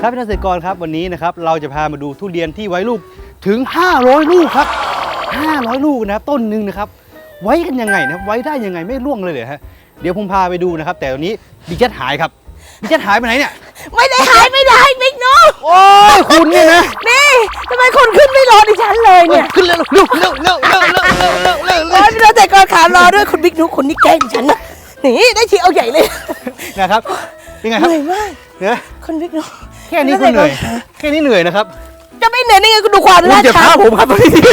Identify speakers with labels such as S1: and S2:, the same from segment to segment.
S1: ครับพี่เกษตรกรครับวันนี้นะครับเราจะพามาดูทุเรียนที่ไว้ลูกถึง500ลูกครับ500ลูกนะครับต้นหนึ่งนะครับไว้กันยังไงนะไว้ได้ยังไงไม่ร่วงเลยฮะเดี๋ยวผมพาไปดูนะครับแต่วันนี้บิ๊กเจ็ตหายครับบิ๊กเจ็ตหายไปไหนเนี่ย
S2: ไม่ได้หายไม่ได้บิ๊กนุ๊ก
S1: โอ้ยคุณเนี่ยนะ
S2: นี่ทำไมคุณขึ้นไม่รอดิฉันเลยเนี่ย
S1: ขึ้นเร็วเร็วเร็วเร็วเร็วเร็วเร็วเร็วเร็วเร็ว
S2: พี่เราแต่ก่อนขารอด้วยคุณบิ๊กนุ๊กคนนี้แกล้งดิฉันนะนี่ได้ทีเอาใหญ่เลย
S1: นะครับยังไงค
S2: เห
S1: รับ
S2: นื่อยมาก
S1: เนี่ย
S2: คุณบิ๊กนุ๊ก
S1: แค่นี้คุณเหนื่อยแค่นี้เหนื่อยนะครับ
S2: จะไม่เหนื่อยได้ไงคุณดูความ
S1: คุณ
S2: ลาด
S1: จะ
S2: ชั
S1: พานผมครับตอนนี้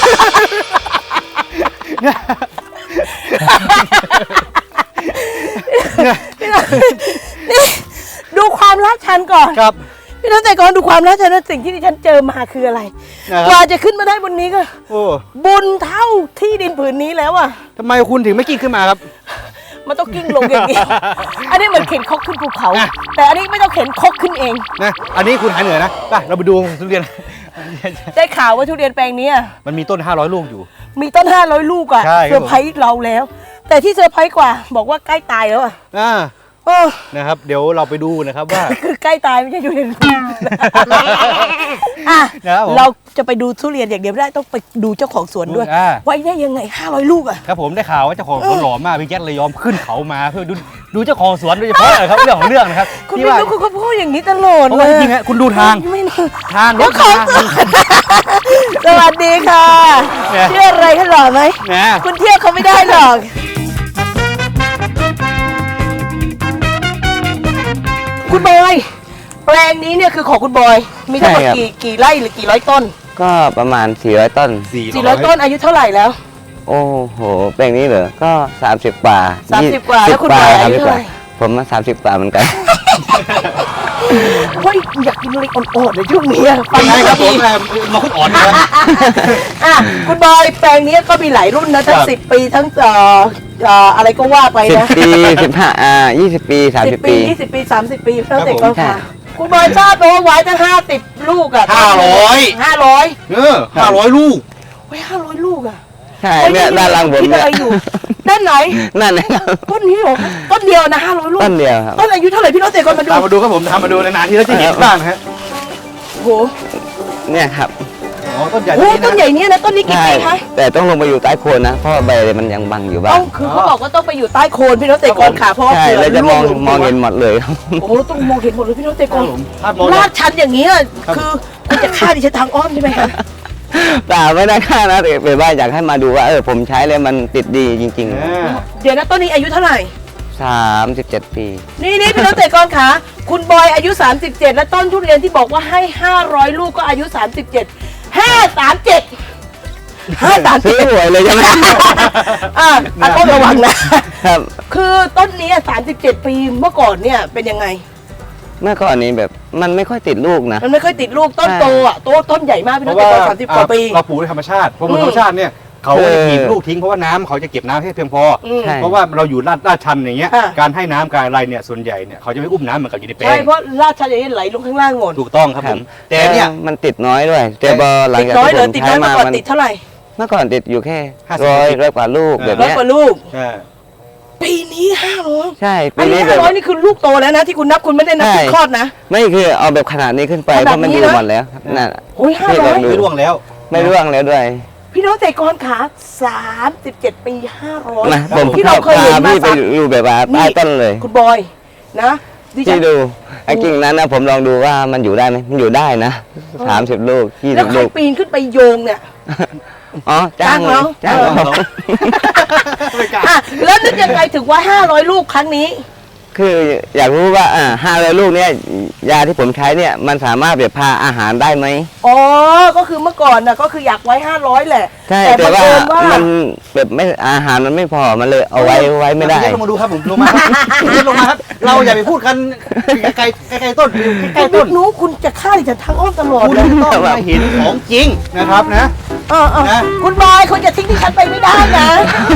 S2: นี่ดูความลาดชันก่อน
S1: ครับ
S2: พี่น้องแต่ก่อนดูความลาดชันว่าสิ่งที่ดิฉันเจอมาคืออะไรกว่าจะขึ้นมาได้บนนี้ก็บุญเท่าที่ดินผืนนี้แล้วอ่ะ
S1: ทำไมคุณถึงไม่กิ้งขึ้นมาครับ
S2: มันต้องกิ้งลงอย่างเดียวอันนี้เหมือนเข็นคกขึ้นภูเขาแต่อันนี้ไม่ต้องเข็นคกขึ้นเอง
S1: นะอันนี้คุณหายเหนื่อยนะไปเราไปดูทุเรียน
S2: ได้ข่าวว่าทุเรียนแปลงนี้
S1: มันมีต้น500ลูกอยู่
S2: มีต้น500ลูกอ่ะเซอร์ไพรส์เราแล้วแต่ที่เซอร์ไพรส์กว่าบอกว่าใกล้ตายแล้วอ่ะ
S1: นะครับเดี๋ยวเราไปดูนะครับว่า
S2: คือใกล้ตายไม่ใช่ทุเรียนเราจะไปดูทุเรียนอย่างเดียวไม่ได้ต้องไปดูเจ้าของสวนด้วยไว้ได้ยังไง500ลูกอ่ะ
S1: ครับผมได้ข่าวว่าเจ้าของสวนหล่อมากพี่แจ๊คเลยยอมขึ้นเขามาเพื่อดูเจ้าของสวนโดยเฉพาะครับเรื่องของเรื่องนะครับ
S2: คุณไม่รู้คุณก็พูดอย่างนี้ตลอดเลย
S1: จริงๆคุณดูทางรถ
S2: ของสวัสดีค่ะเชื่ออะไรกันหล่อไหมคุณเที่ยวเขาไม่ได้หรอกคุณบอยแปลงนี้เนี่ยคือของคุณบอยมีทั้งหมดกี่ไร่หรือกี่ร้อยต้น
S3: ก็ประมาณ400ต้น
S2: 400ต้นอายุเท่าไหร่แล้ว
S3: โอ้โหแปลงนี้เหรอก็30กว่า
S2: 30กว่าแล้วคุณบอยอายุเท่าไหร่
S3: ผมมา30กว่าเหมือนกัน
S2: เฮ้ยอยากกินอะไรอ่อนๆในช่วงนี้
S1: ฟังได้ครับผมมาคุณอ่อนเลย
S2: คุณบอยแปลงนี้ก็มีหลายรุ่นนะทั้ง10ปีทั้งอะไรก็ว่าไปนะ
S3: 10ปี15 20ปี30ปี
S2: 20ปี30ปีแล้วแต่ก็ค่ะคุณบอยทราบไหมว่าไว้ตั้ง50ลูกอ่ะ
S1: 500ลูก
S2: ไว้500ลูกอ่ะ
S3: ใช่เนี่ยด้านล่างบนเนี่ย
S2: ด้านไหน
S3: นั่นเลย
S2: ต้นนี้หรอต้นเดียวนะ500ลูก
S3: ต้นเดียวครับ
S2: ต้นอายุเท่าไหร่พี่น้องเตะก่อน
S1: มาดูครับผมมาดูนานๆที่เราจะเห็นบ้างฮะ
S2: โห
S3: เนี่ยครับ
S1: ต้นใหญ่
S2: ต้นใหญ่นี้นะต้นนี้กี่ปีคะ
S3: แต่ต้องลงไปอยู่ใต้โคนนะเพราะใบมันยังบังอยู่บ้าง
S2: คือเขาบอกว่าต้องไปอยู่ใต้โคนพี่น้องเตะก่อนค่ะเพราะ
S3: ใช่เราจะมองเห็นหมดเลย
S2: โอ้ต้องมองเห็นหมดเลยพี่น้องเตะก่อนลาดชันอย่างนี้คือคุณจะฆ่าดิฉันทางอ้อมใช่ไหมคะ
S3: แต่ไม่ได้ค่านะแต่เป็นว่าอยากให้มาดูว่าผมใช้แล้วมันติดดีจริง
S2: ๆเดี๋ยวนะต้นนี้อายุเท่าไหร่
S3: 37ปี
S2: นี่พี่น้องเตะก่อนค่ะคุณบอยอายุ37และต้นทุเรียนที่บอกว่าให้500ลูกก็อายุ37 537
S3: ซื้อหวยเลยใช่ไหม
S2: ต้องระวังนะครับคือต้นนี้37ปีเมื่อก่อนเนี่ยเป็นยังไง
S3: เมื่อก่อนนี้แบบมันไม่ค่อยติดลูกนะ
S2: มันไม่ค่อยติดลูกต้นโตต้นใหญ่มากพี่น้องตอน30 กว่าปี
S1: เราปลูกด้วยธรรมชาติเพราะธรรมชาติเนี่ยเขาจะถีบลูกทิ้งเพราะว่าน้ำเขาจะเก็บน้ำให้เพียงพอเพราะว่าเราอยู่ลาดชันอย่างเงี้ยการให้น้ำการอะไรเนี่ยส่วนใหญ่เนี่ยเขาจะไม่อุ้มน้ำเหมือนกับอยู่ในแปลง
S2: ใช่เพราะลาดชันอย่างนี้ไหลลงข้างล่างหมด
S1: ถูกต้องครับผมแต่เนี่ย
S3: มันติดน้อยด้วยแต่พอหลังจาก
S2: ที่ผมใช้มามันติดเท่าไหร่
S3: เมื่อก่อนติดอยู่แค่ร้อยกว่าลูกแบบนี้
S2: 100 กว่าลูกปีนี้500
S3: ใช่
S2: ปีนี้500นี่คือลูกโตแล้วนะที่คุณนับคุณไม่ได้นับคลอดนะ
S3: ไม่คือเอาแบบขนาดนี้ขึ้นไปเพราะมันอยู่หมดแล้วนั่น
S2: โอ้ย500
S1: ไม่ร่วงแล้ว
S3: ด้วย
S2: พี่น้องเตะกรขา37ปี500
S3: นะผมที่เราเคยเห็นมาพี่ไปอยู่แบบว่าใต้ต้นเลย
S2: คุณบอยนะ
S3: ที่ดูไอ้กิ่งนั้นนะผมลองดูว่ามันอยู่ได้ไหมมันอยู่ได้นะ30ลูก20ลูก
S2: แล้วใครปีนขึ้นไปโยงเนี่ย
S3: จ้างเรา
S2: แล้วนึกยังไงถึงว่า500ลูกครั้งนี้
S3: คืออยากรู้ว่า500ลูกเนี่ยยาที่ผมใช้เนี่ยมันสามารถแบบพาอาหารได้ไหม
S2: ก็คือเมื่อก่อนน่ะก็คืออยากไว้500แหละ
S3: แต่ว่ามันแบบไม่อาหารมันไม่พอมันเลยเอาไว้ไม่ได้
S1: ลงมาดูครับผมลงมาครับเราอย่าไปพูดกันไกลต้นใกล้ต้น
S2: นู้คุณจะฆ่าดิฉันทางอ้อมตลอด
S1: เลยคุณต้องมาเห็นของจริงนะครับนะ
S2: คุณบอยคุณจะทิ้งดิฉันไปไม่ได้นะ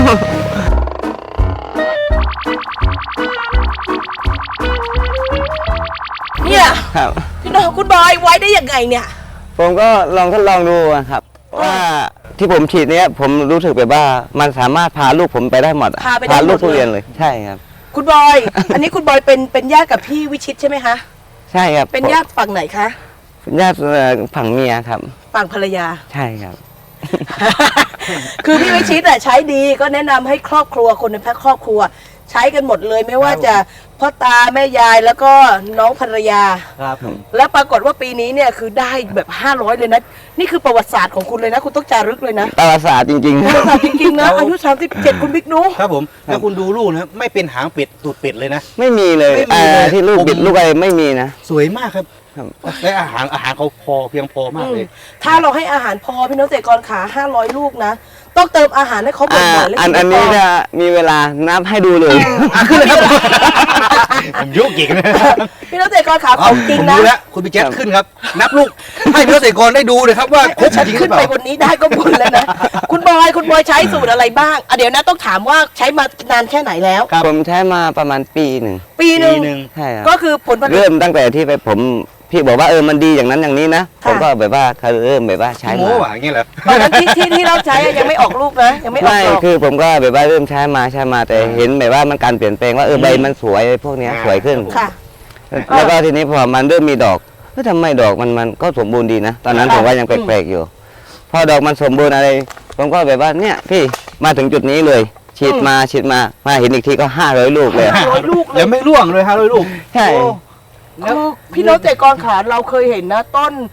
S2: เนี่ยพี่น้องคุณบอยไว้ได้ยังไงเนี่ย
S3: ผมก็ทดลองดูครับว่าที่ผมฉีดเนี้ยผมรู้สึกแบบว่ามันสามารถพาลูกผมไปได้หมดพาลูกทุเรียนเลยใช่ครับ
S2: คุณบอยอันนี้คุณบอยเป็นญาติกับพี่วิชิตใช่ไหมคะ
S3: ใช่ครับ
S2: เป็นญาติฝั่งไหนคะ
S3: ญาติฝั่งเมียครับ
S2: ฝั่งภรรยา
S3: ใช่ครับ
S2: คือพี่วิชิตอะใช้ดีก็แนะนำให้ครอบครัวคนในครอบครัว ใช้กันหมดเลยไม่ว่าจะพ่อตาแม่ยายแล้วก็น้องภรรยา
S1: ครับ
S2: แล้วปรากฏว่าปีนี้เนี่ยคือได้แบบ500เลยนะนี่คือประวัติศาสตร์ของคุณเลยนะ คุณต้องจารึกเลยนะ
S3: ตลาดศาสตร์จริง
S2: ประวัติศาสตร์จริงๆนะอายุ37คุณบิ๊กนุ๊ก
S1: ครับผมแล้วคุณดูลูกนะครับไม่เป็นหางเป็ดตูดเป็ดเลยนะ
S3: ๆ ไม่มีเลย
S1: ไม่มีเลย
S3: ที่ลูกบิดลูกอะไรไม่มีนะ
S1: สวยมากครับ
S3: ครับ
S1: และอาหารเขาพอเพียงพอมากเลย
S2: ถ้าเราให้อาหารพอพี่น้องเกษตรกรขา500 ลูกนะ ต้องเติมอาหารให้เขาบ่อยๆและ
S3: อัน
S2: กิ
S3: นี้
S2: ก่
S3: จะมีเวลานับให้ดูเลย
S1: ขึ้นเลยครับผมยุกอีกนะ
S2: พี่น้องเกษตรกรขาของจริง
S1: ผม
S2: นะ
S1: รู้แล้วคุณพี่แจ๊คขึ้นครับ นับลูกให้พี่เกษตรกรได้ดูเลยครับว่าครบ
S2: ฉัน
S1: จริงหรื
S2: ขึ้
S1: อน เป
S2: ไป
S1: ล่า
S2: บนนี้ได้ก็บุญแล้วนะ คุณบอยใช้สูตรอะไรบ้างเดี๋ยวนะต้องถามว่าใช้มานานแค่ไหนแล้ว
S1: ครับ
S3: ผมใช้มาประมาณปีหนึ่ง
S2: ปีหนึ่ง
S1: ปีหนึ่ง
S3: ใช่ครับ
S2: ก็คือผลผลิต
S3: เริ่มตั้งแต่ที่ไปผมพี่บอกว่ามันดีอย่างนั้นอย่างนี้นะผ
S2: ค่ะ
S3: มก็แบบว่าเขาเริ่มแบบว่าใช้
S1: โม้
S3: มา
S1: หวานอย่างเงี้ยเหรอ
S2: ตอนนั้นที่เราใช้อะยังไม่ออกลูกนะยังไม่ออก
S3: ไม่
S2: ดอก
S3: คือผมก็แบบว่าเริ่มใช้มาแต่เห็นแบบว่ามันการเปลี่ยนแปลงว่าใบมันสวยพวกเนี้ยสวยขึ้น
S2: ค่ะ
S3: แล้วก็ทีนี้พอมันเริ่มมีดอกทำไมดอกมันก็สมบูรณ์ดีนะ ตอนนั้นผมว่ายังแปลกๆอยู่ พอดอกมันสมบูรณ์อะไร ผมก็แบบว่าเนี่ยพี่มาถึงจุดนี้เลย ฉีดมาเห็นอีกทีก็500 ลูกเลย
S2: 500 ลูกเลย
S1: ยังไม่ร่วงเลยครับลูก
S3: ใช่
S2: โอ้คือพี่น้องเกษตรกรขาเราเคยเห็นนะต้น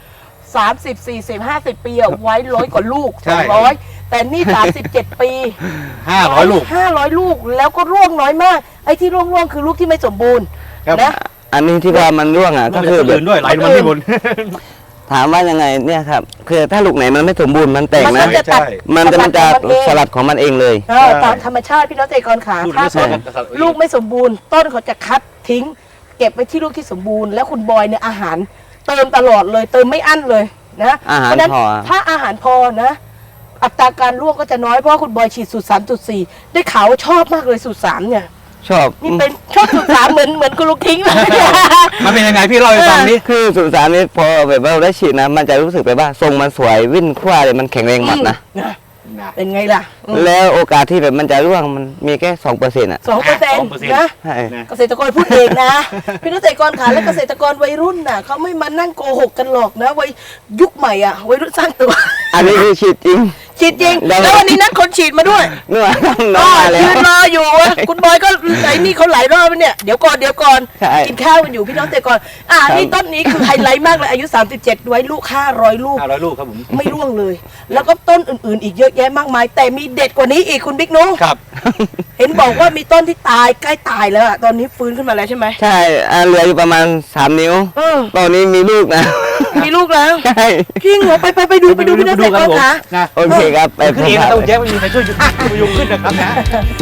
S2: 30 40 50 ปีอะไว้100 กว่าลูก
S1: ใช่
S2: 200 แต่นี่ 37 ปี
S1: 500 ลูก
S2: 500 ลูกแล้วก็ร่วงน้อยมาก ไอ้ที่ร่วงคือลูกที่ไม่สมบูรณ์
S1: ครับ
S2: นะ
S3: อันนี้ที่ว่ามันร่วงอ่ะ
S1: ก็
S3: ก็
S1: คื
S3: คือ อแบ
S1: อื่
S3: บ
S1: นด้วยไหลลงมาที่บน
S3: ถามว่ายังไงเนี่ยครับคือถ้าลูกไหนมันไม่สมบูรณ์มันแตก
S2: มัน
S3: นะ
S2: ก็จะตัด
S3: มันจะ
S2: ของเอง
S3: สลัดของมันเองเลย
S2: ตามธรรมชาติพี่น้องเกษตรกรขา
S1: ลูก
S2: ถ้า
S1: ไม่ส
S2: ต้
S1: ม
S2: น
S1: บูรณ์
S2: ลูกไม่สมบูรณ์ ต้นเขาจะคัดทิ้ง เก็บไว้ที่ลูกที่สมบูรณ์แล้วคุณบอยเนี่ยอาหารเติมตลอดเลยเติมไม่อั้นเลยนะ
S3: อาหาร
S2: เพราะฉะนั้น
S3: พอ
S2: ถ้าอาหารพอนะ อัตราการร่วงก็จะน้อยเพราะว่าคุณบอยฉีดสูตร 3.4 ได้ข่าวว่าชอบมากเลยสูตร 3 เนี่ย
S3: ชอบ
S2: นี่เป็นชอบสูตร 3 เหมือนคุณลูกทิ้งเลย
S1: มันเป็นยังไงพี่เล่าให้ฟังดิ
S3: คือสุสานนี้พอแบบว่าได้ฉีดนะ มันจะรู้สึกแบบว่าทรงมันสวยวิ่นคว้าเลยมันแข็งแรงหมดนะ
S2: เป็นไงล่ะ
S3: แล้วโอกาสที่แบบมันจะร่วงมันมีแค่2%อ่ะ
S2: 2%นะ
S3: ใช่
S2: เกษตรกรพูดเองนะ พี่เกษตรกรขาและเกษตรกรวัยรุ่นน่ะเขาไม่มานั่งโกหกกันหรอกนะวัยยุคใหม่อ่ะวัยรุ่นสร้างตัว
S3: อันนี้คือฉีดจริง
S2: ฉีดจริง
S3: ได้
S2: แล้ววันนี้นัดคนฉีดมาด้วย
S3: เนื้อน้
S2: ก็
S3: องมาแล้
S2: ยื
S3: วน
S2: รออยู่อะคุณบอยก็ไอ้นี่เขาหลายรอบแล้วเนี่ยเดี๋ยวก่อน
S3: ใช่
S2: กินข้าวกันอยู่พี่น้องเกษตรกรนี่ต้นนี้คือไฮไลท์มากเลยอายุ 37 ไว้ลูก500 ลูก
S1: 500 ลูกครับผม
S2: ไม่ร่วงเลย แล้วก็ต้นอื่นๆ อีกเยอะแยะมากมาย แต่มีเด็ดกว่านี้อีกคุณบิ๊กนุ๊ก
S1: ครับ
S2: เห็นบอกว่ามีต้นที่ตายใกล้ตายแล้วอะตอนนี้ฟื้นขึ้นมาแล้วใช่ไหม
S3: ใช่เหลืออยู่ประมาณ3 นิ้ว
S2: เออ
S3: ตอนนี้มีลูกนะ
S2: มีลูกแล้ว
S3: ใช่
S2: จริงเหรอไปดูพี่น้องเกษตรกรขา
S1: นะ
S3: โอเคครับไป
S1: ขึ้นเองนะต้องแจ๊คไม่มีใครช่วยพยุงขึ้นนะครับนะ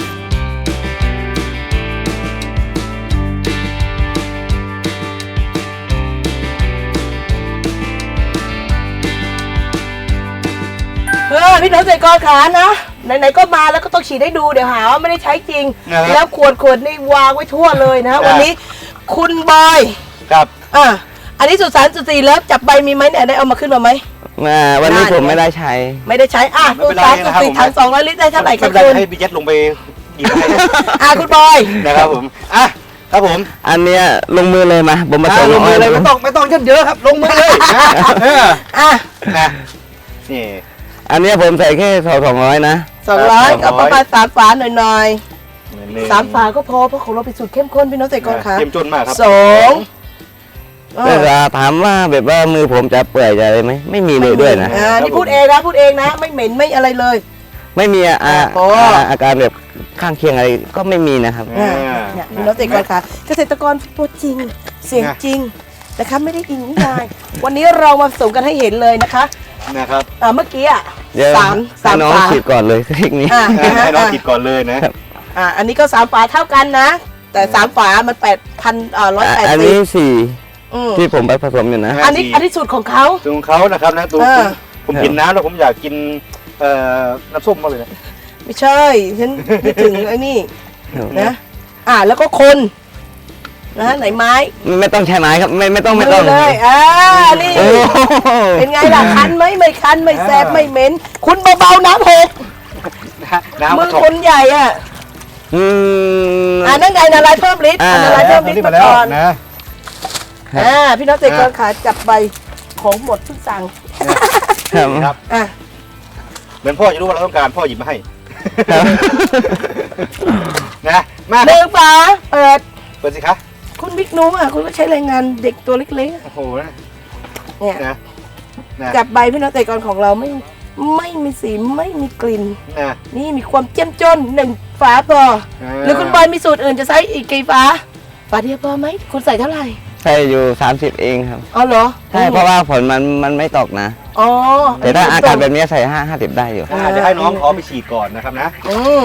S2: พี่น้องเกษตรกรขานะไหนๆก็มาแล้วก็ต้องฉีดให้ดูเดี๋ยวหาว่าไม่ได้ใช้จริง แล้วขวดนี่วางไว้ทั่วเลยนะ วันนี้คุณบอย
S1: ครับ
S2: อันนี้สุด3.4แล้วจับใบมีไหมเนี่ยได้เอามาขึ้นมาไหม
S3: วันนี้ผมไม่ได้ใช้
S2: ไม่ได้ใช้สุด3.4ถัง200 ลิตรได้เท่าไหร่คะ
S1: ไม่
S2: คุ
S1: เป็น
S2: ณ
S1: ไรให้พี่แจ๊คลงไปหยิบให้
S2: คุณบอย
S1: นะครับผมครับผม
S3: อันเนี้ยลงมือเลยมาผมมาส่ง
S1: ลงมือเลยไม่ต้องเยอะครับลงมือเลยนะนี่
S3: อันเนี้ยผมใส่แค่200นะ
S2: 200กับประมาณ3 ฝาหน่อยๆ3 ฝาก็พอเพราะของเราเป็นสูตรเข้มข้นพี่น้องเกษตรกรขา
S1: เต็มจนมากครับ
S2: 2
S3: แต่ถามว่าแบบว่ามือผมจะเปื่อยจะอะไรไหมไม่มีเลยด้วยนะ
S2: นี่พูดเองนะไม่เหม็นไม่อะไรเลย
S3: ไม่มี
S2: พอ
S3: อาการแบบข้างเคียงอะไรก็ไม่มีนะครับ
S2: เนี่ยพี่น้องเกษตรกรค่ะเกษตรกรตัวจริงเสียงจริงนะคะไม่ได้อิงนิยายวันนี้เรามาส่งกันให้เห็นเลยนะคะ
S1: นะครับ
S2: เมื่อกี้
S3: เดี๋ยว
S2: สาม
S3: ให้น้อง
S2: ฝา
S3: ฉีดก่อนเลยเทคนิค
S1: ให้น้องติดก่อนเลยนะ
S2: อันนี้ก็3 ฝาเท่ากันนะ แต่3 ฝามัน8,180
S3: อันนี้ที่ผมไปผสมอยู่นะ
S2: อันนี้สูตรของเขา
S1: สูตรของเขานะครับนะตัวผมกินน้ำแล้วผมอยากกินน้ำส้มมากเลยนะ
S2: ไม่ใช่ฉันนึกถึงไอ้นี่นะแล้วก็คนนะไหนไม้
S3: ไม่ต้องใช้ไม้ครับไม่ต้อง
S2: เลยนี่
S3: โอ้
S2: เป็นไงล่ะคันไหมไม่คันไม่แสบไม่เหม็นคุณเบาๆน้ำหก
S1: น้ำ
S2: มือคนใหญ่นั่นไงละลายเพิ่มฤทธิ์ละลายเพิ่มฤทธิ์มาก่อน
S3: ครับ
S2: พี่น้องเกษตรกรขาจับใบของหมดเพิ่งสั่ง
S3: ครับ
S1: ครับ
S2: อ่ะ
S1: เหมือนพ่อจะรู้ว่าเราต้องการพ่อหยิบมาให้
S3: ครับ
S1: นะมา
S2: หนึ่งฝาเปิด
S1: เปิดสิคะ
S2: คุณบิ๊กนุ้มคุณก็ใช้แรงงานเด็กตัวเล็ก
S1: โอ้โหนะ
S2: ๆเนี่ย
S1: นะนะ
S2: จับใบพี่น้องเกษตรกรของเราไม่มีสีไม่มีกลิ่น
S1: นะ
S2: นี่มีความเจ้มจนหนึ่งฝาพอหรือคุณบอยมีสูตรอื่นจะใช้อีกกี่ฝาฝาเดียวพอไหมคุณใส่เท่าไหร่
S3: ใช่อยู่ 30 เองครับ
S2: อ๋อเหรอ
S3: ใช่เพราะว่าผลมันไม่ตกนะ
S2: อ๋อ
S3: แต่ถ้าอากาศแบบนี้ใส่50 ได้อยู่
S1: เดี๋ยวให้น้องเขาไปฉีดก่อนนะครับนะ
S2: อืม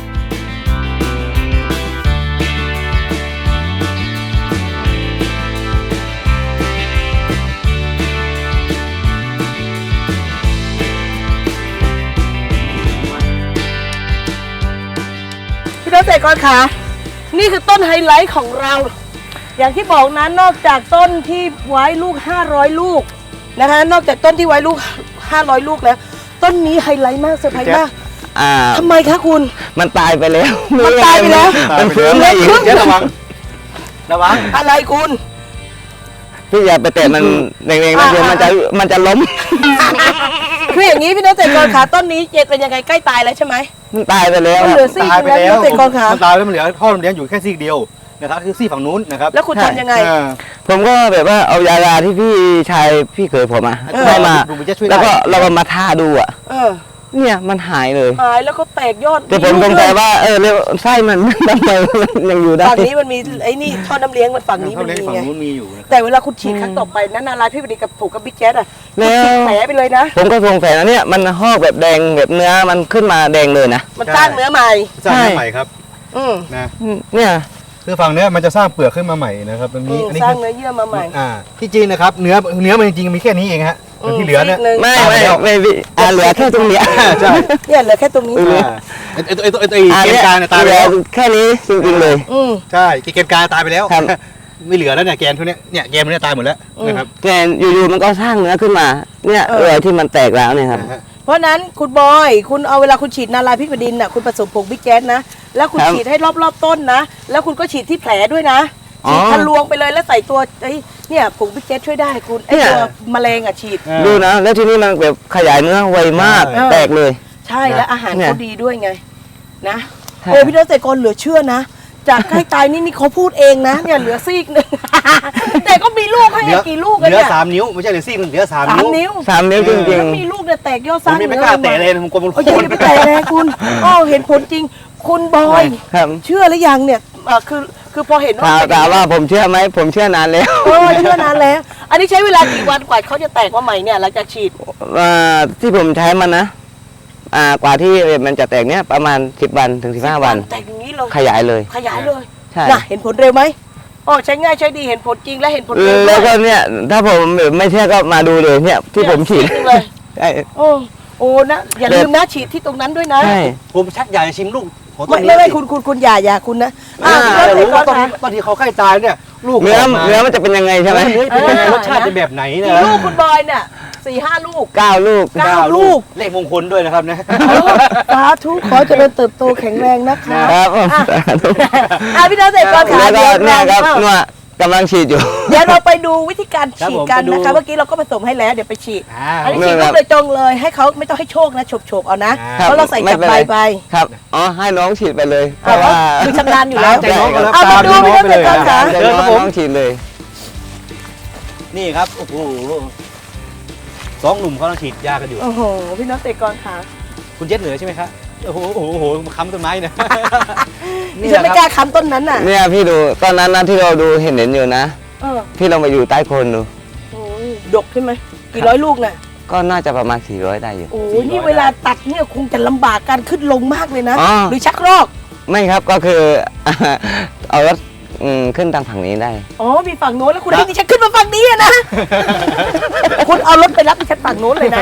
S2: พี่น้องเกษตรกรค่ะนี่คือต้นไฮไลท์ของเรา อย่างที่บอกนะนอกจากต้นที่ไว้ลูก500ลูกนะคะ นอกจากต้นที่ไว้ลูก500ลูกแล้ว ต้นนี้ไฮไลท์มากเซอร์ไพรส์มาก
S3: อ่า
S2: ทำไมคะคุณ
S3: มันตายไปแล้ว
S2: มันตายไปแล้ว
S3: มันฟื้นได้อีก
S1: เจ๊ระวังระวัง
S2: อะไรคุณ
S3: พี่อย่าไปเตะมันแรงๆนะเดี๋ยวมันจะล้ม
S2: คืออย่างนี้พี่น้องเกษตรกรขาต้นนี้เจเป็นยังไงใกล้ตายแล้วใช่ไหม
S3: มันตายไปแล้ว
S2: มัน
S3: ค
S2: เหลื
S3: รั
S2: อบ ซี่
S1: ตายไป
S2: แล้วพี่
S1: แล้
S2: น้
S1: ว
S2: องเกษตรกรขา
S1: มันตายแล้วมันเหลือท่อลมเลี้ยงอยู่แค่ซีกเดียวนะครับคือซี่ฝั่งนู้นนะครับ
S2: แล้วคุณทำยังไง
S1: อ่า
S3: ผมก็แบบว่าเอายาที่พี่ชายพี่เคยผมอ่ะ
S2: เออ
S3: ให้มา
S1: ดูมันจะช่วยได้
S3: แล้วก็เราก็มาท่าดูอ่ะ
S2: เออ
S3: เนี่ยมันหายเลย
S2: หายแล้วก็แตกยอด
S3: แต่ผมสงสัยว่าเรียกไส้มัน ทำไมมันยังอยู่ได้
S2: ฝั่งนี้มันมีไอ้นี่ท่อน้ำเลี้ยงมันฝั่งนี้
S1: ท่อ
S2: มัน
S1: เลี้ยง
S2: มี
S1: ฝั่ง
S2: ไง
S1: นู้นมีอยู่นะครับ
S2: แต่เวลาคุณฉีดครั้งต่อไปนั้นนาลายพี่บดีกับผูกกับบิ๊กแจ๊ดอ่ะ
S3: แล้ว
S2: ฉีดแผลไปเลยนะ
S3: ผมก็สงสัยนะเนี่ยมันหอกแบบแดงแบบเนื้อมันขึ้นมาแดงเลยนะ
S2: มันสร้างเนื้อใหม่
S1: สร้างเนื้อใหม่ครับ
S2: อืม
S1: นะ
S3: เนี่ย
S1: คือฝั่งเนี้ยมันจะสร้างเปลือกขึ้นมาใหม่นะครับตรงนี้อันนี้
S2: สร้าง
S1: คือ
S2: เนื้อเยื่อมาใหม่
S1: ที่จริงนะครับเนื้อมันจริงๆมีแค่นี้เองฮะแต่ที่เหลือเนี่ย
S2: ซีกหนึ่ง
S3: ไม่
S1: ตายไปแล้ว
S3: ไม่พี่เหลือแค่ตรงเนี้ย
S1: ใช่
S2: เนี่ยเหลือแค่ตรงนี้
S1: ไอ้เกณฑ์กลางเนี่ยตายไป
S3: เหลื
S1: แล้
S3: อ
S1: ว
S3: แค่นี้จริงๆเลย
S2: อืม
S1: ใช่เกณฑ์กลางตายไปแล้ว
S3: ครับ
S1: ไม่เหลือแล้วเนี่ยแกนพวกเนี้ยเนี่ยแกนมันเนี่ยตายหมดแล้วนะครับ
S3: แต่อยู่ๆมันก็สร้างเนื้อขึ้นมา เนี่ยที่มันแตกแล้วเนี่ยครับ
S2: เพราะฉะนั้นคุณบอยคุณเอาเวลาคุณฉีดนาลายพริกแผ่นดินน่ะคุณผสมผงบิ๊กแจ๊ดนะแล้วคุณ
S3: ครับ
S2: ฉีดให้รอบๆต้นนะแล้วคุณก็ฉีดที่แผลด้วยนะ
S3: อ๋อ
S2: ฉีดทะลวงไปเลยแล้วใส่ตัวไอ้เนี่ยผงบิ๊กแจ๊ดช่วยได้คุณไอ้
S3: เนี่ย
S2: ตัวแมลงอ่ะฉีด
S3: ดูนะ แล้วทีนี้มันแบบขยายเนื้อไวมาก
S2: ใช่
S3: แตกเลย
S2: ใช่แล้วอาหาร
S3: เนี่ย
S2: เขาดีด้วยไงนะ
S3: ใช่
S2: โอ้พี่น้องเกษตรกรเหลือเชื่อนะ จากใกล้ตายนี่เขาพูดเองนะเนี่ยเหลือซีกหนึ่ง แต่ก็มีลูกให้กี่ลูกกัน
S1: เหลือ
S2: เนี่ย
S1: 3 นิ้วไม่ใช่เหลือซี่มันเหลือ3
S2: สาม
S1: นิ้ว
S2: นิ้ว
S3: 3 นิ้วจริง
S2: แล้วมีลูกเนี่ยแตกยอด
S1: ผ
S2: สร้าม ง
S1: ยังไม่กล้าแตะเลยผมกลัวมัน
S2: โอ้ย
S1: โค่น
S2: อย่าไปแตะแรงคุณอ๋อเห็นผลจริง คุณบอย
S3: ๆครับ
S2: เชื่อหรือยังเนี่ยคือพอเห็นว่า
S3: ถามว่าผมเชื่อไหมผมเชื่อนานแล้ว
S2: เออเชื่อนานแล้ว อันนี้ใช้เวลากี่วันกว่าเขาจะแตกมาใหม่เนี่ยหลังจากฉีด
S3: ที่ผมใช้มันนะกว่าที่มันจะแตกเนี่ยประมาณ10 วันถึง15 วัน
S2: แตกอย่างนี้เลย
S3: ขยายเลย
S2: ขยายเลย
S3: ใช่
S2: น่ะเห็นผลเร็วไหมอ๋อใช้ง่ายใช้ดีเห็นผลจริงและเห็นผลเร็วด้
S3: แล้ว วย ก็เนี่ยถ้าผมไม่เชื่อก็มาดูเลยเนี่ยที่ผมฉีด
S2: เนี่ยเลย
S3: ใช่
S2: โอ้นะอย่าลืมนะฉีดที่ตรงนั้นด้วยนะ
S3: ใช่
S1: ผมชักอยากจะชิมลูกของต้
S2: ไม่
S1: นนี้
S2: ไม่คุณอย่าคุณนะ
S1: จะรู้ว่า
S2: ต้
S1: ตอนที่เขาใกล้ตายเนี่ยลูก
S3: เนื้อ
S1: ออกมา
S3: เนื้อมันจะเป็นยังไงใช่ไหม
S1: เนื้อเป็นยังไงรสชาติจะแบบไหนเนี่ย
S2: กี่ลูกคุณบอยเนี่ย4-5 ลูก
S3: 9 ลูก
S2: เก้าลูก
S1: เลขมงคลด้วยนะครับนะ
S2: สาธุขอเจริญเติบโตแข็งแรงนะคะ
S3: ครับ
S2: พี่น้องเกษตรกรขา
S3: แล้วก็
S2: เดี๋ยว
S3: เนี่ยครับ
S2: เรา
S3: เนี่ยกำลังฉีดอยู่
S2: เดี๋ยวเราไปดูวิธีการฉีดกัน
S1: ครับผมไปดู
S2: นะคะเมื่อกี้เราก็ผสมให้แล้วเดี๋ยวไปฉีด อันนี้
S3: ไม่
S2: ฉีด
S3: ครั
S2: ลู
S3: บ
S2: กโดยตรงเลยให้เขาไม่ต้องให้โชคนะโฉบๆเอานะ
S1: ครับ
S2: เพราะเราใส่จับใบไป
S3: ครับอ๋อให้น้องฉีดไปเลยเพ
S2: เอา
S3: ราะ
S2: เพราะ
S3: ว่า
S2: คือชำนาญอยู่แล้ว
S1: ใจน้องก็แล้ว
S2: เอามาดู
S1: ตามน้อง
S2: พี่น้อง
S1: ไปเลย
S2: เกษตรกรขา
S3: ใจ
S1: เชิญครับผม
S3: น้องฉีดเลย
S1: นี่ครับโอ้โหสองหนุ่มเขาต้องฉีดยากันอยู่
S2: โอ้โหพี่น้องเกษตรกรขา
S1: คุณเจ็ดเหนือใช่ไหมครับโอ้โหโอ้โหโอ้โหมาค้ำต้นไม้เนี่ย
S2: ดิฉันไม่กล้าค้ำต้นนั้นน่ะ
S3: เนี่ยพี่ดูตอนนั้นนะที่เราดูเห็นอยู่นะ
S2: เออ
S3: พี่ลองไปอยู่ใต้โคนดู
S2: โอ้ยดกใช่ไหมกี่ร้อยลูกน่ะ
S3: ก็น่าจะประมาณ400ได้อยู่
S2: โอ้ยนี่เวลาตัดเนี่ยคงจะลำบากการขึ้นลงมากเลยนะ
S3: อ๋อ
S2: หรือชักรอก
S3: ไม่ครับก็คือ เอารถขึ้นทางฝั่งนี้ได้
S2: อ๋อมีฝั่งโน้นแล้วคุณให้ดิฉันขึ้นมาฝั่งนี้อะนะ คุณเอารถไปรับดิฉันฝั่งโน้นเลยนะ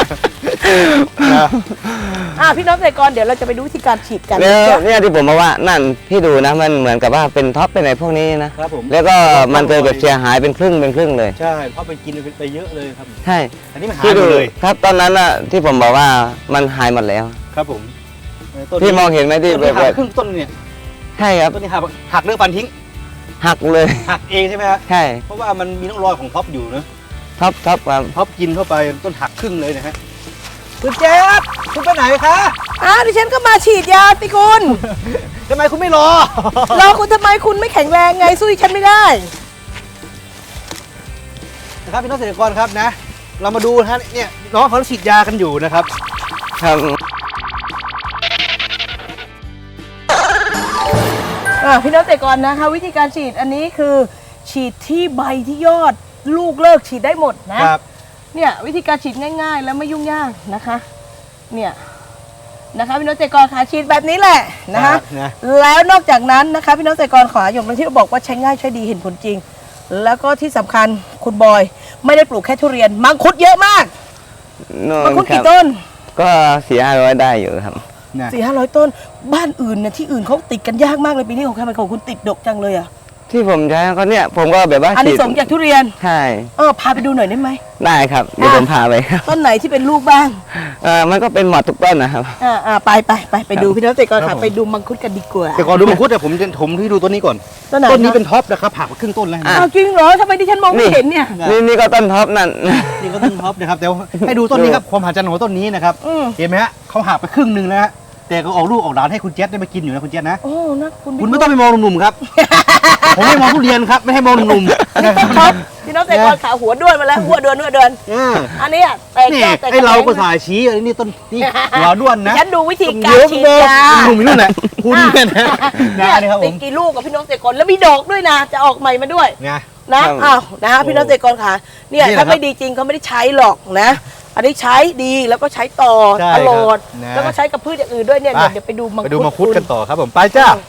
S2: พี่น้องเกษตรกรเดี๋ยวเราจะไปดูวิธีการฉีดกัน
S3: แล้วเนี่ยที่ผมบอกว่านั่นพี่ดูนะมันเหมือนกับว่าเป็นท็อปเป็นอะไรพวกนี้นะครับ
S1: ผม
S3: แล้วก็มันเกิดแบบเสียหายเป็นครึ่งเลย
S1: ใช่เพราะไปกินไปเยอะเลยครับ
S3: ใช่
S1: อันนี้มันหาย
S3: พี่
S1: หม
S3: ดู
S1: ดเลย
S3: ครับตอนนั้นน่ะที่ผมบอกว่ามันหายหมดแล้ว
S1: ครับผมต้น
S3: พี่มองเห็นไหมที่
S1: ต้น
S3: แบ
S1: นี้
S3: บ
S1: หักครึ่งต้นเนี่ย
S3: ใช่ครับ
S1: ต้นนี้หักเรื่องฟันทิ้ง
S3: หักเลย
S1: หักเองใช่ไหมฮะ
S3: ใช่
S1: เพราะว่ามันมีร่องรอยของท็อปอยู่นะ
S3: ท็อปครับ
S1: ท็อปกินเข้าไปต้นหักครึ่งเลยนะฮะคุณแจ๊บคุณไปไหนคะ
S2: ดิฉันก็มาฉีดยาสิคุณ
S1: ทำไมคุณไม่รอ
S2: รอคุณทำไมคุณไม่แข็งแรงไงสู้ดิฉันไม่ได้
S1: นะครับพี่น้องเกษตรกรครับนะ เรามาดูนะฮะเนี่ยน้องเขาฉีดยากันอยู่นะครับ
S3: ครับ
S2: พี่น้องเกษตรกรนะคะวิธีการฉีดอันนี้คือฉีดที่ใบที่ยอดลูกเลิกฉีดได้หมดนะครับ เนี่ยวิธีการฉีดง่ายๆ แล้วไม่ยุ่งยากนะคะเนี่ยนะคะพี่น้องเกษตรกรขาฉีดแบบนี้แหละนะคะ
S1: นะ
S2: แล้วนอกจากนั้นนะคะพี่น้องเกษตรกรขาอย่างที่เราบอกว่าใช้ง่ายใช้ดีเห็นผลจริง แล้วก็ที่สำคัญคุณบอยไม่ได้ปลูกแค่ทุเรียนมังคุดเยอะมาก
S3: โน่
S2: มัง
S3: น
S2: คุด
S3: ครั
S2: กี่
S3: บ
S2: ต้น
S3: ก็400-500ได้อยู่ครับ
S1: นะ
S2: 400-500 ต้นบ้านอื่นเนี่ยที่อื่นเขาติดกันยากมากเลยปีนี้ของใครของคุณติดดกจังเลยอ่ะ
S3: ที่ผมใช้ก็เนี่ยผมก็แบบว่า
S2: อันนี้
S3: ฉีด
S2: สงส์จากทุเรียน
S3: ใช่
S2: พาไปดูหน่อยได้ไหม
S3: ได้ครับเดี๋ยวผมพาไปครับ
S2: ต้นไหนที่เป็นลูกบ้าง
S3: มันก็เป็นหมดทุกต้นนะครับ
S2: ไปดูพี่น้องเกษตรกรค่ะไปดูมังคุดกันดีกว่า
S1: แต่ก่อนดูมังคุดแต่ผมที่ดูต้นนี้ก่อน
S2: ต้นไหน
S1: ต้นนี้เป็นท็อปนะครับหักมาครึ่งต้นแล้ว
S3: อ่ะ
S2: อ้าวจริงเหรอทำไมดิฉันมองไม่เห็นเนี่ย
S3: นี่ก็ต้นท็อปนั่น
S1: นี่ก็ต้นท็อปนะครับแต่ว่าให้ดูต้นนี้ครับความหัศจรรย์ของต้นนี้นะครับ
S2: อืม
S1: เห็นไหมฮะเขาหักไปครึ่งหนึ่งแล้วฮะแต่ก็ออกลูกออกหลานให้คุณเจษได้มากินอยู่นะคุณเจษนะ
S2: โอ้นะคุณ
S1: คุณไม่ต้องไปมองหนุ่มๆครับ ผมไม่มองทุเรียนครับไม่ให้มองหนุ่มๆนะค
S2: ต้
S1: รั
S2: นท็อปพี่น้องเกษตรกรขาหัวด้วนมาแล้วหัวเดือน อันนี้อ่ะแตก
S1: นี่
S2: ยอดแตก
S1: ไอเราก็สายชี้อันนี้ต้นนี่หัวด้วนนะ
S2: ฉันดูวิธีการ
S1: เดี๋ยว
S2: ฉีด
S1: มอง
S2: ยา
S1: หนุ่มอยู่นั่นแหละคุณเนี่ยนะ
S2: เนี่ย
S1: นี่ครับผ
S2: ติด
S1: ม
S2: กี่ลูกกับพี่น้องเกษตรกรแล้วมีดอกด้วยนะ จะออกใหม่มาด้วย
S1: ไง
S2: นะครับ อ้าวนะพี่น้องเกษตรกรค่ะเนี่ย
S1: นี่แหละ
S2: ถ้า
S1: ครับ
S2: ไม่ดีจริงเขาไม่ได้ใช้หรอกนะ อันนี้ใช้ดีแล้วก็ใช้ต่อ
S1: ใช่
S2: ตลอด
S1: ครับนะ
S2: แล้วก็ใช้กับพืชอย่างอื่นด้วยเนี่ย
S1: ไป
S2: เดี๋ยวไปดูมัง
S1: ไปดูมังคุด
S2: คุ
S1: กันต่อครับผมไปจ้า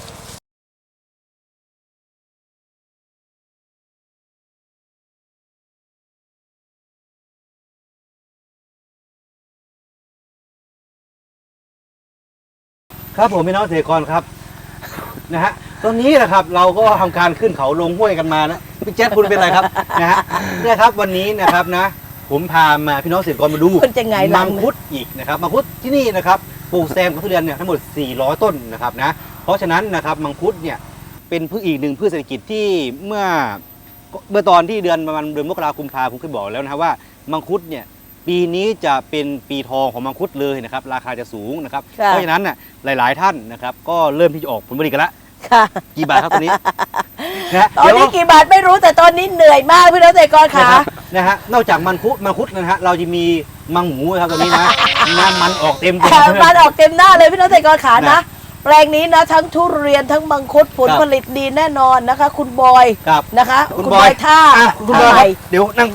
S1: ครับผมพี่น้องเกษตรกรครับนะฮะตอนนี้นะครับเราก็ทำการขึ้นเขาลงห้วยกันมานะพี่แจ๊คคุณเป็นไรครับนะฮะเนี่ยครับวันนี้นะครับนะ ผมพามาพี่น้องเกษตรกรมาดู
S2: คุณจะไงล่ะ
S1: มังคุดอีกนะครับมังคุดที่นี่นะครับปลูกแซมกับทุเรียนเนี่ยทั้งหมด400 ต้นนะครับนะเพราะฉะนั้นนะครับมังคุดเนี่ยเป็นพืชอีกหนึ่งพืชเศรษฐกิจที่เมื่อตอนที่เดือนประมาณเดือนมกราคมกุมภาผมเคยบอกแล้วนะครับว่ามังคุดเนี่ยปีนี้จะเป็นปีทองของมังคุดเลยนะครับราคาจะสูงนะครับ
S2: ค่ะ
S1: เพราะฉะนั้นน่ะหลาย ๆ ท่านนะครับก็เริ่มที่จะออกผลผลิตกันแล้ว
S2: ค่ะ
S1: กี่บาทครับตัวนี้ นะ
S2: ตอนนี้กี่บาทไม่รู้แต่ตอนนี้เหนื่อยมากพี่น้องเกษตรกร
S1: นะ
S2: ขา
S1: ครับนะฮะนอกจากมังคุดนะฮะเราจะมีมังหมูนะครับตัวนี้นะน้ำมันออกเต็มตัว
S2: มันออกเต็มหน้าเลยพี่น้องเกษตรกรขา
S1: นะ
S2: นะแปลงนี้นะทั้งทุเรียนทั้งมังคุดผล
S1: ครับ
S2: ผลิตดีแน่นอนนะคะ คุณบอย
S1: ครับ
S2: นะคะ
S1: คุณบอย
S2: ท่า
S1: อ่ะคุณบอย
S2: อะไร
S1: เดี๋ยวนั่ง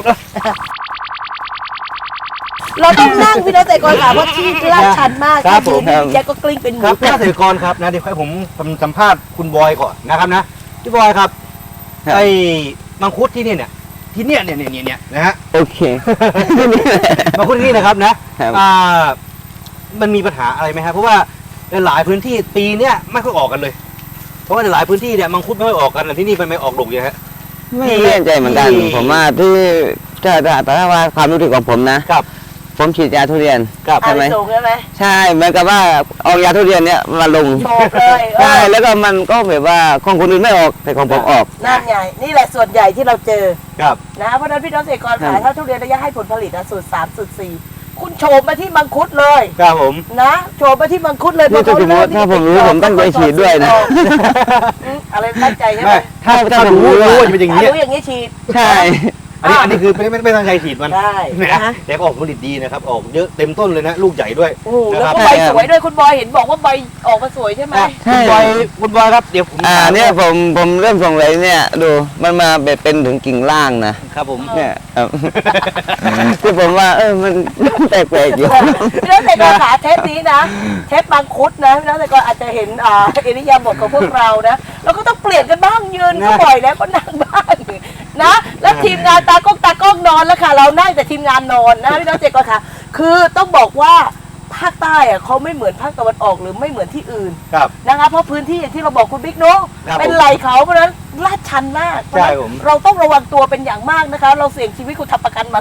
S2: เราต้องนั่งพี่น้องเกษตรกรขาเพราะที่ลาดชันมาก
S1: ครับ
S2: ยืน
S1: ผม
S2: แกก็กลิ้งเป็นห
S1: ค
S2: มู
S1: รับพี่เกษตรกรครับนะเดี๋ยวให้ผมสัมภาษณ์คุณบอยก่อนนะครับนะพี่บอยครับ
S3: ครับ
S1: ไอ้มังคุดที่นี่เนี่ยที่เนี่ยนะฮะ
S3: โอเค
S1: มังคุดที่นี่นะครับนะครับ มันมีปัญหาอะไรไหมครับเพราะว่าหลายพื้นที่ปีเนี้ยไม่ค่อยออกกันเลย เพราะว่าหลายพื้นที่เนี่ยมังคุดไม่ค่อยออกกันแต่ที่นี่มันไม่ออกดกอย่างฮะ
S3: ไม่แน่ใจเหมือนกัน ผมว่าที่แต่ว่าความรู้สึกของผมนะ
S1: ครับ
S3: ผมฉีดยาทุเรียน
S1: ครับ
S3: ใช่ไหม
S2: สูงใช่ไหม
S3: ใช่เหมือนกับว่าเอายาทุเรียนเนี่ยมาลง
S2: โชว์เลย
S3: ใช่แล้วก็มันก็แบบว่าของคนอื่นไม่ออกแต่ของผมออก
S2: นั่นไงนี่แหละส่วนใหญ่ที่เราเจอ
S1: ครับ
S2: นะเพราะฉะนั้นพี่น้องเกษตรกร
S3: ครั
S2: ขา
S3: บ
S2: ถ้าทุเรียนระยะให้ผลผลิตนะสูตร3สูตร4คุณโฉมมาที่มังคุดเลย
S1: ครับผม
S2: นะโฉมมาที่มังคุดเลย
S3: นี่ถ้าสมมติถ้าผมรู้ผมตั้งใจฉีดด้วยนะ
S2: อะไรตั้งใจใช่ไหม
S1: ไม่ถ้ารู้ว่าจะเป็นอย่างนี้
S2: รู้อย่างนี้ฉีด
S3: ใช่
S1: อันนี้คือไม่ตั้งใจฉีดมัน
S2: ได้
S1: นะ
S2: นะ
S1: แต่ก็ออกผลิตดีนะครับ ออกเยอะเต็มต้นเลยนะ ลูกใหญ่ด้วย
S2: โอ้โห
S1: นะ
S2: แล้ว
S1: ครับ
S2: ก็ใบสวยด้วยคุณบอยเห็นบอกว่าใบออกมาสวยใช่ไหม
S1: คุณบอยครับ เดี๋ยวผม
S3: เนี่ยผมเริ่มส่งเลยเนี่ยดูมันมาแบบเป็นถึงกิ่งล่างนะครับ
S1: ผม
S3: เนี่ยครับ ที่ผมว่ามันแปลกๆอยู่
S2: พี่น้องเกษตรกรขาเทปนี้นะเทปมังคุดนะพี่น้องเกษตรกรอาจจะเห็นอิริยาบถของพวกเรานะแล้วก็ต้องเปลี่ยนกันบ้างยืนก็บ่อยแล้วก็นั่งบ้างนะแล้วทีมงานตากล้องนอนแล้วค่ะเรานั่งแต่ทีมงานนอนนะพี่น้องเกษตรกรค่ะคือต้องบอกว่าภาคใต้อะเขาไม่เหมือนภาคตะวันออกหรือไม่เหมือนที่อื่น
S1: ครับ
S2: นะคะเพราะพื้นที่อย่างที่เราบอกคุณบิ๊กเนาะ
S1: ครับ
S2: เป็นไหลเขาเพราะฉะนั้นลาดชันมากเพราะฉะนั้น
S1: ใช่ผม
S2: เราต้องระวังตัวเป็นอย่างมากนะคะ เราเสี่ยงชีวิตคุณทำประกันมา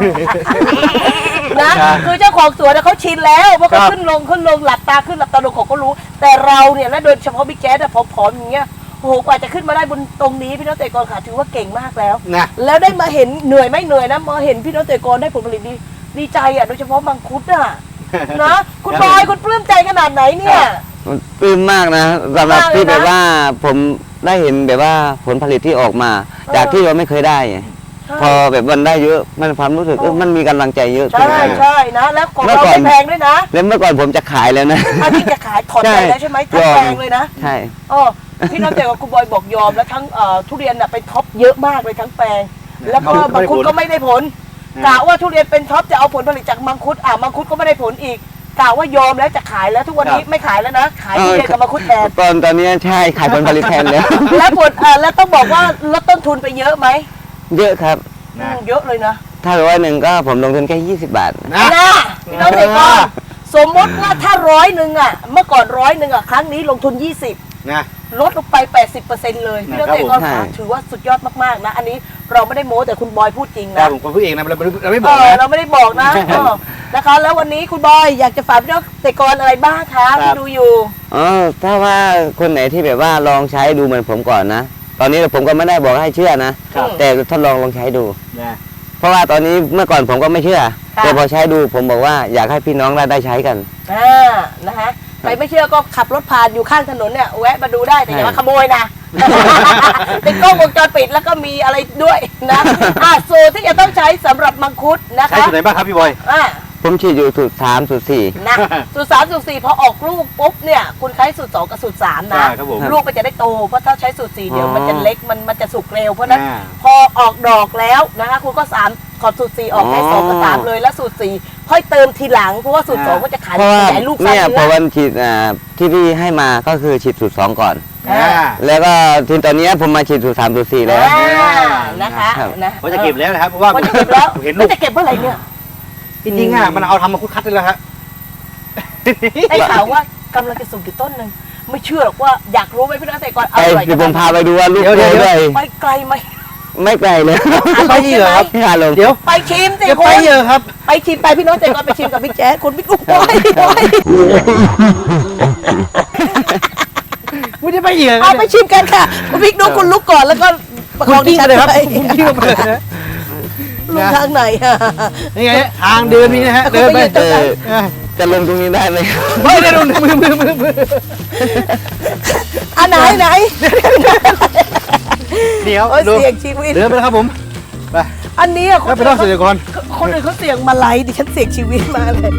S2: นะคือเจ้าของสวนน่ะเขาชินแล้วเพราะเขาขึ้นลงหลับตาขึ้นหลับตาลงเขาก็รู้ แต่เราเนี่ยและโดยเฉพาะบิ๊กแจ๊ดอะผอมๆอย่างเงี้ยโอ้โหกว่าจะขึ้นมาได้บนตรงนี้พี่น้องเกษตรกรค่ะถือว่าเก่งมากแล้ว
S1: นะ
S2: แล้วได้มาเห็นเหนื่อยไม่เหนื่อยนะมาเห็นพี่น้องเกษตรกรได้ผลผลิตดีใจอ่ะโดยเฉพาะมังคุดอ่ะ นะคุณบอยคุณปลื้มใจขนาดไหนเนี่ย
S3: ปลื้มมากนะสำหรับ
S2: มากเลยนะ
S3: ที่แบบว่าผมได้เห็นแบบว่าผลผลิตที่ออกมา จากที่เราไม่เคยได้ พอแบบมันได้เยอะมันความรู้สึกมันมีกำลังใจเยอะขึ้น
S2: ใช่ใช่นะแล้วของ
S3: เมื่อ
S2: เรา
S3: ก่อน
S2: ไม่แพงด้วยนะ
S3: แล้วเมื่อก่อนผมจะขายแล้วนะ
S2: อันนี้จะขายถอนใจแล้วใช่ไหมทั้งแพงเลยนะ
S3: ใช่
S2: อ๋อพี่น้องเกษตรกรคุณบอยบอกยอมแล้วทั้งทุเรียนน่ะเป็นท็อปเยอะมากเลยทั้งแปลง แล้วก็มังคุดก็ไม่ได้ผลกะว่าทุเรียนเป็นท็อปจะเอาผลผลิตจากมังคุดมังคุดก็ไม่ได้ผลอีกกะว่ายอมแล้วจะขายแล้วทุกวันนี้ไม่ขายแล้วนะขายทุเรียนกับมังคุดแทน
S3: ตอนนี้ใช่ขายผลผลิตแทนแล้ว
S2: แล้วผลแล้วต้องบอกว่าลดต้นทุนไปเยอะไหม
S3: เยอะครับ
S2: เยอะเลยนะ
S3: ถ้า100ก็ผมลงทุนแค่20 บาท
S1: นะ
S2: นะพี่น้องเกษตรกรสมมติว่าถ้า100อ่ะเมื่อก่อน100อ่ะครั้งนี้ลงทุน20
S1: นะ
S2: ลดลงไป 80%เลยพี่น้องเกษตรกร
S3: ใช่
S2: ค่ะถือว่าสุดยอดมากๆนะอันนี้เราไม่ได้โม้แต่คุณบอยพูดจริง
S1: แต่
S2: นะ
S1: ผมก็พูดเองนะเราไม่บอกนะ
S2: เราไม่ได้บอกนะนะคะแล้ววันนี้คุณบอยอยากจะฝากพี่น้องเกษตรกรอะไรบ้างคะที่ดูอยู่
S3: ถ้าว่าคนไหนที่แบบว่าลองใช้ดูเหมือนผมก่อนนะ ตอนนี้ผมก็ไม่ได้บอกให้เชื่อนะ
S2: ครับ
S3: แต่ทดลองใช้ดู
S1: นะ
S3: เพราะว่าตอนนี้เมื่อก่อนผมก็ไม่เชื่อ
S2: ค่ะ
S3: แต่พอใช้ดูผมบอกว่าอยากให้พี่น้องได้ใช้กัน
S2: นะคะใครไม่เชื่อก็ขับรถผ่านอยู่ข้างถนนเนี่ยแวะมาดูได้แต่อย่ามาขโมยนะ เป็นกล้องวงจรปิดแล้วก็มีอะไรด้วยนะสูตรที่จะต้องใช้สำหรับมังคุดนะ
S1: ใช้
S2: คะ
S1: สูตรไหนบ้างครับพี่บอย
S3: ผมฉีดอยู่สูตร3สูตร4
S2: นะสูตร3สูตร4พอออกลูกปุ๊บเนี่ยคุณใช้สูตร2กับสูตร3นะ
S1: ใช่ครับผม
S2: ลูกมันจะได้โตเพราะถ้าใช้สูตร4เดี๋ยวมันจะเล็กมันจะสุกเร็วเพราะฉะนั้น
S1: อ่า
S2: พอออกดอกแล้วนะคะคุณก็3ขอดสูตร4ออกให้2กับ3เลยแล้วสูตร4ค่อยเติมทีหลังเพราะว่าสูตร2ก็จะขาย
S3: เพราะว่า
S2: ขยายลูกสร้าง
S3: เนี่ย
S2: เนื้
S3: พอ
S2: อ
S3: วันฉีดที่พี่ให้มาก็คือฉีดสูตร2ก่อน แล้วก็ทีตอนนี้ผมมาฉีดสูตร3สูตร4แล้ว
S2: นะคะ
S3: ครับ
S2: นะ
S1: ว่าจะเก็บแล้วนะครับเพราะว่า
S2: ว่าจะเก็บแล้ว
S1: เห็น
S2: แล้
S1: ลู
S2: ว
S1: ก
S2: จะเก็บเมื่อไหร่เนี่ย
S1: จริงๆมันเอาทำมาคุดคัดได้แล้วฮะ
S2: ไอ้ข่าวว่ากำลังจะส่งกี่ต้นหนึ่งไม่เชื่อหรอกว่าอยากรู้ไหมพี่น้องเกษตรกรอ
S3: ไป
S2: ร่อย
S3: เดี๋ยวผมพาไปดูว่าลูก
S1: เดี๋ยว
S3: โต
S1: เดี๋ยว
S3: ด้วย
S2: ไปไกลไหม
S3: ไม่ไกลเลย
S1: ไปอีกเหรอครับ
S3: พี่ฮาลง
S1: เดี๋ยว
S2: ไปชิมสิ
S1: จะ
S2: คุ
S1: ไป
S2: ณ
S1: เยอะครับ
S2: ไปชิมไปพี่น้องเกษตรกรไปชิมกับพี่แจ๊คคุณพี่กุ้งไป
S1: ไม่ได้ไปเยอะ
S2: เอาไปชิมกันค่ะคุณพี่ดูคุณลุกก่อนแล้วก็ประค
S1: คุ
S2: อง
S1: ณ
S2: ดิ
S1: กิ้ง
S2: ฉัน
S1: เลยครับ
S2: ไป
S1: คุณกิ้งไปเลยนะ
S2: ลุกทางไหนอะ
S1: นี่ไงทางเดินมีนะฮะเดินไป
S2: คุณไปยืนตรงนั้น
S3: จะลงตรงนี้ได้ไหม
S1: ไม่ได้ดูมือ
S2: อันไหน
S1: เดี๋ยว
S2: โอ้ย
S1: ดู
S2: เสี่ยงชีวิต
S1: เดินไปแล้วครับผมไป
S2: อันนี้อะ
S1: แล้วไปท่องเสียก่อน
S2: คนอื่นเขาเสี่ยงมาไลดิฉันเสี่ยงชีวิตมาเลย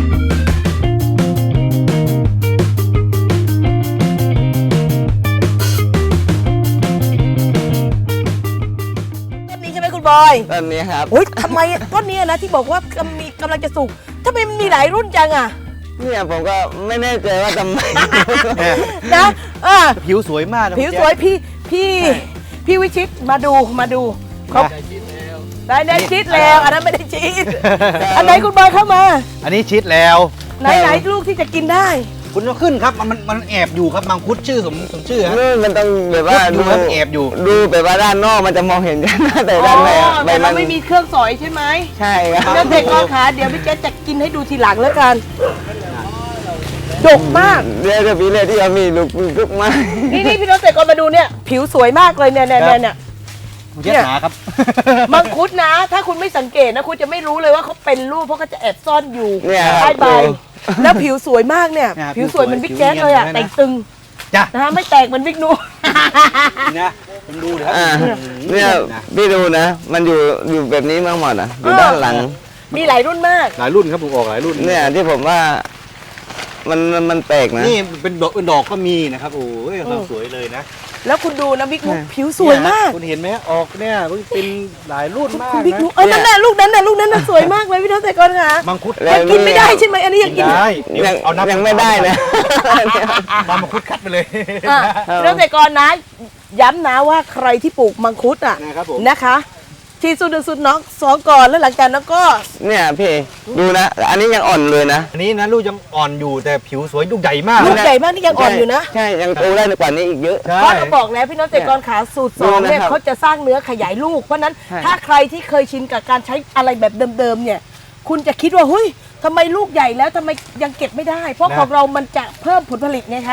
S2: ต้นนี้ใช่ไหมคุณบอย
S3: ตอนนี้ครับ
S2: โอ้ยทำไมต้นนี้นะที่บอกว่ากำลังจะสุกทำไมมันมีหลายรุ่นจังอ่ะ
S3: เนี่ยผมก็ไม่แน่ใจว่าทำไม
S2: นะ
S1: ผิวสวยมากนะ
S2: ผิวสวยพี่วิชิตมาดูเขาได้ชิดแล้วอันนั้นไม่ได้ชิดอันไหนคุณบอยเข้ามา
S1: อันนี้ชิดแล้ว
S2: ไหนลูกที่จะกินได้
S1: คุณต้องขึ้นครับมันแอบอยู่ครับมังคุดชื่อสมชื่อฮะ
S3: นี่มันต้องแบบว่า
S1: ดูครับแอบอยู่
S3: ดูแบบว่าด้านนอกมันจะมองเห็นกันนะแต่
S2: อ๋อ
S3: ด้านในอะ
S2: แต่เราไม่มีเครื่องสอยใช่ไหม
S3: ใช่ครับ
S2: แล้วเด็กก็ขาเดี๋ยวพี่เจ๊จะกินให้ดูทีหลังแล้วกันดกมาก
S3: เดี๋ยวพี่เลยที่เรามีลูกไม้
S2: นี่พี่น้องเกษตรกรมาดูเนี่ยผิวสวยมากเลยเนี่ย
S1: เย็ดหนาครับ
S2: มังคุดนะ ถ้าคุณไม่สังเกตนะคุณจะไม่รู้เลยว่าเขาเป็นรูปเพราะเขาจะแอบซ่อนอยู่
S3: เนี่ย
S2: ใต้ใบ
S3: ดู
S2: แล้วผิวสวยมากเนี่ย
S1: เนี่ย
S2: ผิวสวยเหมันบิ๊กแจ๊ส
S1: ผิวเนียน
S2: เลยอ่ะ
S1: เลยนะ
S2: แต่งตึง
S1: จ้ะ
S2: นะไม่แตกเหมันบิ๊กนู
S1: นะผมดูเลยครับ
S3: อ่าเนี่ยพี่ดูนะ มันอยู่แบบนี้มาหมดอ่ะอยู่ด้านหลัง
S2: มีหลายรุ่นมาก
S1: หลายรุ่นครับผมออกหลายรุ่น
S3: เนี่ยที่ผมว่ามันแปลกนะ
S1: นี่เป็นดอกก็มีนะครับโอ้ยความสวยเลยนะ
S2: แล้วคุณดูนะบิ๊กนูผิวสวยมาก
S1: คุณเห็นไหมออกเนี่ยเป็นหลายรุ่นมาก
S2: คุณบิ๊ก
S1: นะ
S2: นูนั่นแหละลูกนั้นน่ะสวยมากเลยพี่น้องเกษตรกรค่ะ
S1: มังคุด
S3: แล้ว
S2: กินไม่ได้ใช่ไหมอันนี้ยังกิน
S1: ได้เดี๋ยว
S3: ยัง
S1: เอานับ
S3: ยังไม่ได้นะ
S1: มามังคุดคัดไปเลย
S2: อ่ะพี่น้องเกษตรกรนะย้ำนะว่าใครที่ปลูกมังคุดอ่ะ
S1: นะครับผม
S2: นะคะฉีดสูตร1สูตร2ก่อนแล้วหลังจากนั้นก็
S3: เนี่ยพี่ดูนะ อันนี้ยังอ่อนเลยนะ
S1: อันนี้นะลูกยังอ่อนอยู่แต่ผิวสวยลูกใหญ่มาก
S2: ลูกใหญ่มากนี่ยังอ่อนอยู่นะ
S3: ใช่ยังโตได้กว่านี้อีกเยอะ
S1: ใช่
S2: เพราะเราบอกแล้วพี่น้องเกษตรกรขาสูตร2เนี่ย
S3: ดูนะครับ
S2: เขาจะสร้างเนื้อขยายลูกเพราะฉะนั้น
S3: ใช่
S2: ถ้าใครที่เคยชินกับการใช้อะไรแบบเดิมๆเนี่ยคุณจะคิดว่าเฮ้ยทำไมลูกใหญ่แล้วทำไมยังเก็บไม่ได้ เพราะของเรามันจะเพิ่มผลผลิตไงคะ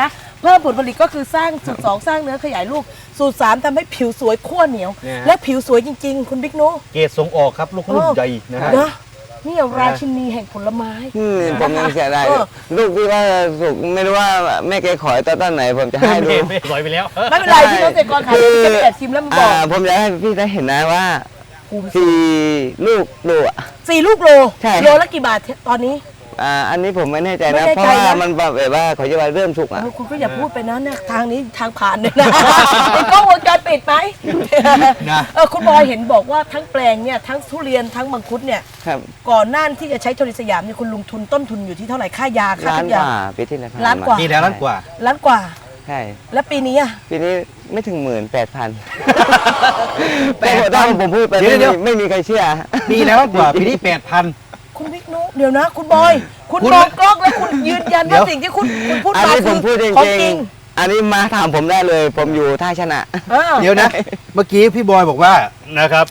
S2: เพิ่มผลผลิตก็คือสร้างสูตร 2 สร้างเนื้อขยายลูกสูตร 3ทำให้ผิวสวยขั้วเหนียว
S1: เนี่ยฮะ
S2: และผิวสวยจริง ๆ คุณบิ๊กนุ
S1: เกรดส่งออกครับลูกใหญ่นะฮะ
S2: นะนี่ราชินีแห่งผลไม้
S3: ผมยังเสียดาย
S2: เออ
S3: ลูกที่ว่าสุกไม่รู้ว่าแม่แกขอยตอนไหนผมจะให้ดู
S1: ไม่สวยไปแล้ว
S2: ไม่เป็นไรพี่น้องเกษตรกรขายจะไปแอบชิมแล้วมาบอก
S3: ผมอยากให้พี่ได้เห็นนะว่า
S2: ภูมิ
S3: สี่ลูกดูอะ
S2: 4 ลูกโล
S3: ใช่
S2: โลละกี่บาทตอนนี้
S3: อันนี้ผมไม่แน่ใจ
S2: ไม่
S3: นะ
S2: แน่
S3: เพราะ
S2: ใจ
S3: ว่า
S2: นะ
S3: มันแบบว่าเขาจะว่าเริ่มสุกอ่ะ
S2: คุณก็อย่าพูดไปนะเนี่ยทางนี้ทางผ่านเนี่ยนะ เป็นกล้องวงจรปิดไหม
S1: นะ
S2: คุณบอยเห็นบอกว่าทั้งแปลงเนี่ยทั้งทุเรียนทั้งมังคุดเนี่ย
S3: ครับ
S2: ก่อนหน้าที่จะใช้โทนิสยามเนี่ยคุณลงทุนต้นทุนอยู่ที่เท่าไหร่ค่ายาค่า
S3: ล้าน
S2: ทุก
S3: ก
S2: อย่าง
S3: ว่าปีที่แล้ว
S2: ล้านกว่า
S1: ปีแล้วล้านกว่า
S2: ล้านกว่า
S3: ใช่
S2: แล้วปีนี้อ่ะ
S3: ปีนี้ไม่ถึง18,000
S1: 8,000
S3: ถ้าผมพูดไป
S1: เดี๋ยว
S3: ไม่มีใครเชื่อ
S1: ปีแล้วล้านกว่าปีนี้8,000
S2: คุณบิ๊กนุเดี๋ยวนะ คุณบอย คุณ
S1: คุณ
S2: มองกล้องแล้วคุณยืนยัน
S1: เดี๋
S2: ว่า
S1: ยว
S2: สิ่งที่คุณพูด
S3: อัน
S2: มา
S3: นี้ผ
S2: คื
S3: ม
S2: อ
S3: พูดจ
S2: ของ
S3: ริง
S2: จริง
S3: ๆอันนี้มาถามผมได้เลย ผมอยู่ท่าชนะ
S1: เดี๋ยวนะ เมื่อกี้พี่บอยบอกว่านะครับ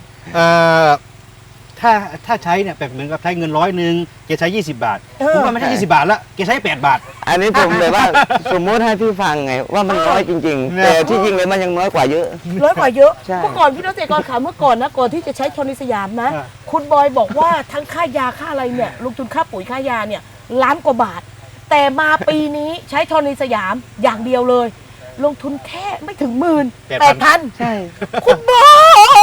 S1: ถ้าใช้เนี่ยแบบเหมือนกับใช้เงิน100แกใช้20 บาท ผมว่าไม่ใช่20 บาทละแกใช้8 บาท
S3: อันนี้ผมแบบว่าสมมติให้พี่ฟังไง ว่ามันน้อยจริง ๆ
S1: เนี่ย
S3: แต่ที่จริงเลยมันยังน้อยกว่าเยอะ
S2: ร้อยกว่าเยอะ
S3: ใช่
S2: เมื่อก่อนพี่น้องเกษตรกรขาเมื่อก่อนนะก่อนที่จะใช้โทนิสยามนะ
S1: อ่า
S2: คุณบอยบอกว่าทั้งค่ายาค่าอะไรเนี่ยลงทุนค่าปุ๋ยค่ายาเนี่ยล้านกว่าบาท แต่มาปีนี้ใช้โทนิสยามอย่างเดียวเลย ลงทุนแค่ไม่ถึง18,000
S3: ใช่
S2: คุณบอย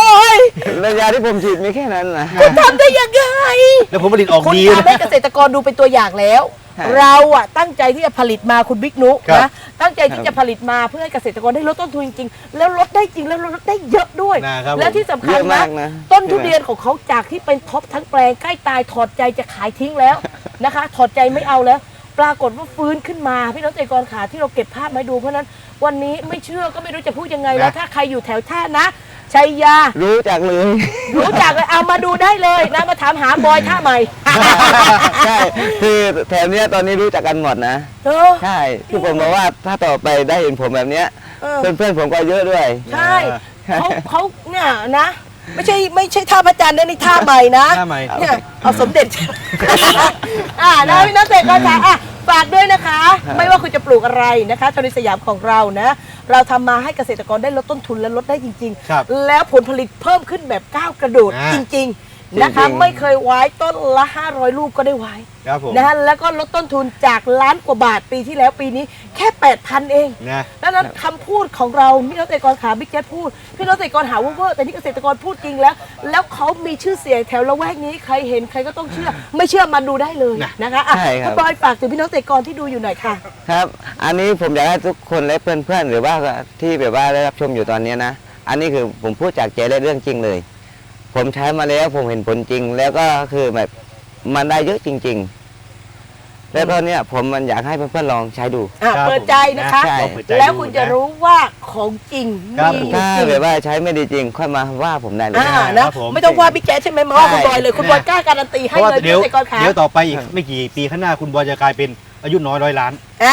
S3: ระยะที่ผมฉีดมีแค่นั้นนะ
S2: คุณทำได้ยังไง
S1: แล้วผลผลิตออก
S2: คุณ
S1: ดี
S2: ทำให้เกษตรกรดูเป็นตัวอย่างแล้ว
S3: ใช่
S2: เราอะตั้งใจที่จะผลิตมาคุณบิ๊กนุ
S1: ครับ
S2: นะตั้งใจที่จะผลิตมาเพื่อให้เกษตรกรได้ลดต้นทุนจริงๆแล้วลดได้จริงแล้วลดได้เยอะด้วย
S1: นะครับ
S2: และที่สำ
S3: เย
S2: คัญ
S3: อะ
S2: นะ
S3: มากนะ
S2: ต้นทุเรียนของเขาจากที่เป็นท็อปทั้งแปลงใกล้ตายถอดใจจะขายทิ้งแล้วนะคะ ถอดใจไม่เอาแล้ว ปรากฏว่าฟื้นขึ้นมาพี่น้องเกษตรกรขาที่เราเก็บภาพมาให้ดูเพราะฉะนั้นวันนี้ไม่เชื่อก็ไม่รู้จะพูดยังไงแล้ว
S1: นะ
S2: ถ้าใครอยู่แถวท่านะชัยยา
S3: รู้จักเลย
S2: รู้จักเลยเอามาดูได้เลยนะมาถามหาบอยท่าใหม่
S3: ใช่คือแถวเนี้ยตอนนี้รู้จักกันหมดนะ
S2: เออ
S3: ใช่คือผมบอกว่าถ้าต่อไปได้เห็นผมแบบเนี้ย
S2: เออ
S3: เพื่อนๆผมก็เยอะด้วย
S2: ใช่เขาเนี่ยนะ ไม่ใช่ท่าพระจันทร์นะนี่ท่าใหม่นะ
S1: ท่าใหม่
S2: เนี่ยเอาสมเด็จ นะพี่นักเตะก็ค่ะฝากด้วยนะคะ ไม่ว่าคุณจะปลูกอะไรนะคะโทนิสยามของเรานะ เราทำมาให้เกษตรกรได้ลดต้นทุนและลดได้จริง
S1: ครับ
S2: ๆ แล้วผลผลิตเพิ่มขึ้นแบบก้าวกระโดด
S1: อ่า
S2: จริง ๆนะคะ
S3: จริงๆ
S2: ไม่เคยไว้ต้นละ500 ลูกก็ได้ไว้
S1: ครับผม
S2: นะฮะแล้วก็ลดต้นทุนจากล้านกว่าบาทปีที่แล้วปีนี้แค่ 8,000 เอง
S1: นะ
S2: ดังนั้นคำพูดของเราพี่น้องเกษตรกรขาบิ๊กแจ๊ดพูดพี่น้องเกษตรกรหาว่าเวอร์แต่นี่เกษตรกรพูดจริงแล้ว แล้วเขามีชื่อเสียงแถวละแวกนี้ใครเห็นใครก็ต้องเชื่อ ไม่เชื่อมาดูได้เลยนะคะอ่ะ
S3: ใช่ครับ
S2: คุณบอยฝากถึงพี่น้องเกษตรกรที่ดูอยู่หน่อยค่ะ
S3: ครับ อันนี้ผมอยากให้ทุกคนและเพื่อนๆหรือว่าที่แบบว่าได้รับชมอยู่ตอนนี้นะ อันนี้คือผมพูดจากใจและเรื่องจริงเลย ผมใช้มาแล้วผมเห็นผลจริง แล้วก็คือแบบมันได้เยอะจริง ๆ แล้วก็เนี่ยผมมันอยากให้เพื่อนๆลองใช้ดู
S1: ครับ
S2: เปิดใจนะคะ
S3: ใช่
S1: ลองเปิดใจ
S2: แล้ว
S1: ดู
S2: คุณจะ
S1: น
S2: รู้ว่าของจริง
S1: ครับ
S2: มี
S3: ถ้า
S2: จริง
S3: แบบว่าใช้ไม่ดีจริง ค่อยมาว่าผมได้เลย
S1: ครับผม
S2: ไม่ต้องว่าบิ๊กแจ๊ดใช่ไหมมาว่าคุณบอยเลยคุณบอยกล้าการันตี
S1: เพ
S2: ให้
S1: ราะว่า
S2: เลย
S1: เดี๋
S2: พี่
S1: ยว
S2: น้องเกษตรกรขา
S1: เดี๋ยวต่อไปอีกไม่กี่ปีข้างหน้าคุณบอยจะกลายเป็นอายุน้อย100 ล้าน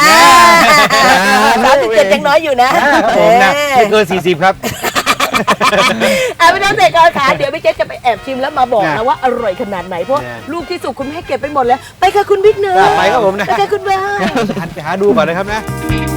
S2: 37ยังน้อยอยู่นะ
S1: ครับผมนะไม่เกิน40 ครับ
S2: พี่น้องเกษตรกรขาเดี๋ยวพี่เจ๊จะไปแอบชิมแล้วมาบอก
S1: นะ
S2: นะว่าอร่อยขนาดไหนเพราะ
S1: นะ
S2: ลูกที่สุกคุณไม่ให้เก็บไปหมดแล้ว ไปค่ะคุณบิ๊กเนย
S1: ไปครับผมนะ
S2: ไปค่ะคุณบอย
S1: หันไปหาดูก่อนนะครับนะ
S2: ค